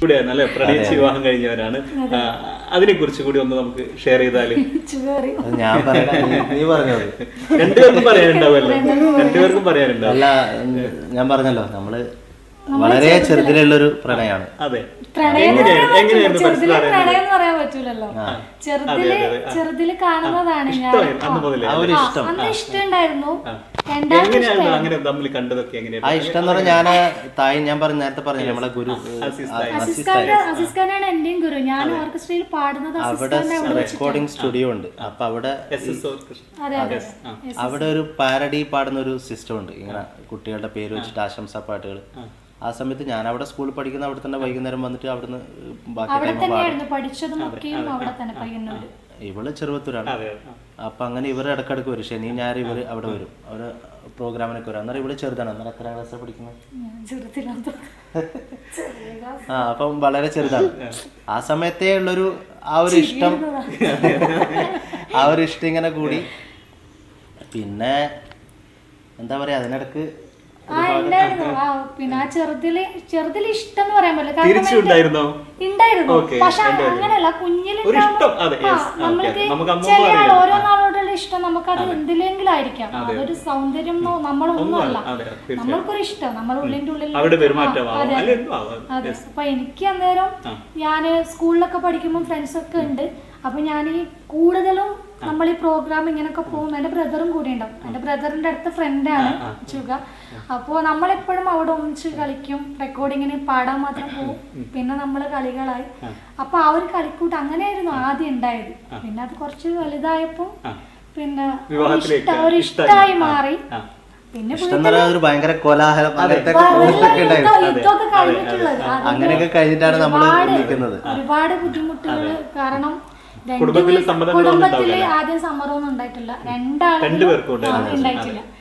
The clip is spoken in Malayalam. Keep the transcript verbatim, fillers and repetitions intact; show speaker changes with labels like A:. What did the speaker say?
A: കൂടെയാണ് അല്ലെ, പ്രണയിച്ച് വിവാഹം കഴിഞ്ഞവരാണ്. അതിനെ കുറിച്ച് കൂടി ഒന്ന് നമുക്ക് ഷെയർ ചെയ്താല്.
B: ഞാൻ നീ പറഞ്ഞത്
A: രണ്ടുപേർക്കും പറയാനുണ്ടാവല്ലോ, രണ്ടുപേർക്കും പറയാനുണ്ടാവും.
B: അല്ല, ഞാൻ പറഞ്ഞല്ലോ നമ്മള് വളരെ ചെറുതിലുള്ളൊരു പ്രണയമാണ്.
A: അതെ,
C: പ്രണയം പറയാൻ പറ്റൂലല്ലോ. ചെറുതില് ചെറുതില് കാണുന്നതാണ് ഞാൻ. അന്ന് ഇഷ്ടം ഉണ്ടായിരുന്നു.
B: ആ ഇഷ്ടം എന്ന് പറഞ്ഞാൽ ഞാൻ തായ് ഞാൻ പറഞ്ഞ നേരത്തെ പറഞ്ഞു നമ്മളെ ഗുരു
C: അസിസ്ഖാനാണ് എന്റെയും ഗുരു. ഞാൻ ഓർക്കസ്ട്രയിൽ പാടുന്നത്
B: അവിടെ റെക്കോർഡിംഗ് സ്റ്റുഡിയോ ഉണ്ട്. അപ്പൊ അവിടെ അവിടെ ഒരു പാരഡി പാടുന്ന ഒരു സിസ്റ്റം ഉണ്ട്. ഇങ്ങനെ കുട്ടികളുടെ പേര് വെച്ചിട്ട് ആശംസാ പാട്ടുകൾ. ആ സമയത്ത് ഞാൻ അവിടെ സ്കൂളിൽ പഠിക്കുന്ന അവിടെ തന്നെ വൈകുന്നേരം വന്നിട്ട് അവിടുന്ന് ബാക്കി ഇവള് ചെറുപ്പത്തൂരാണ്. അപ്പൊ അങ്ങനെ ഇവർ ഇടക്കിടക്ക് വരും. ശനി ഞായർ ഇവര് അവിടെ വരും, അവര് പ്രോഗ്രാമിനൊക്കെ വരും. അന്നേരം ഇവള് ചെറുതാണ്. അന്നേരം എത്ര ക്ലാസ്സിൽ പഠിക്കുന്നത്? ആ അപ്പം വളരെ ചെറുതാണ്. ആ സമയത്തേ ഉള്ളൊരു ആ ഒരു ഇഷ്ടം ആ ഒരു ഇഷ്ടം ഇങ്ങനെ കൂടി. പിന്നെ എന്താ പറയാ, അതിനിടക്ക്
C: പിന്നെ ആ ചെറുതില് ചെറുതില് ഇഷ്ടം എന്ന് പറയാൻ പറ്റില്ല.
A: ഉണ്ടായിരുന്നു,
C: പക്ഷെ അങ്ങനെയല്ല, കുഞ്ഞില് നമ്മൾക്ക് ചില ഓരോ നാളോടുള്ള ഇഷ്ടം നമുക്കത് എന്തിലെങ്കിലും ആയിരിക്കാം. അതൊരു സൗന്ദര്യം നമ്മളൊന്നും അല്ല, നമ്മൾക്കൊരു ഇഷ്ടം നമ്മുടെ ഉള്ളിന്റെ ഉള്ളിൽ. അതെ അതെ. അപ്പൊ എനിക്ക് അന്നേരം ഞാന് സ്കൂളിലൊക്കെ പഠിക്കുമ്പോൾ ഫ്രണ്ട്സ് ഒക്കെ ഉണ്ട്. അപ്പൊ ഞാൻ ഈ കൂടുതലും നമ്മൾ ഈ പ്രോഗ്രാം ഇങ്ങനെയൊക്കെ പോകും. എൻ്റെ ബ്രദറും കൂടി ഉണ്ടാവും. എൻ്റെ ബ്രദറിന്റെ അടുത്ത ഫ്രണ്ടാണ് ചുക. അപ്പോൾ നമ്മളെപ്പോഴും അവിടെ ഒന്നിച്ച് കളിക്കും, റെക്കോർഡിങ്ങിന് പാടാൻ മാത്രം പോകും. പിന്നെ നമ്മൾ കളികളായി. അപ്പൊ ആ ഒരു കളിക്കൂട്ട് അങ്ങനെയായിരുന്നു ആദ്യം ഉണ്ടായത്. പിന്നെ അത് കുറച്ച് വലുതായപ്പോ പിന്നെ ഒരു ഇഷ്ടമായി മാറി. പിന്നെ
B: ഭയങ്കര കോലാഹലം അങ്ങനെയൊക്കെ കഴിഞ്ഞിട്ടാണ് നമ്മൾ നിൽക്കുന്നത്.
C: ഒരുപാട് ബുദ്ധിമുട്ടുകൾ. കാരണം കുടുംബത്തില് ആദ്യം സമ്മറൊന്നും ഉണ്ടായിട്ടില്ല, രണ്ടാളും ഉണ്ടായിട്ടില്ല.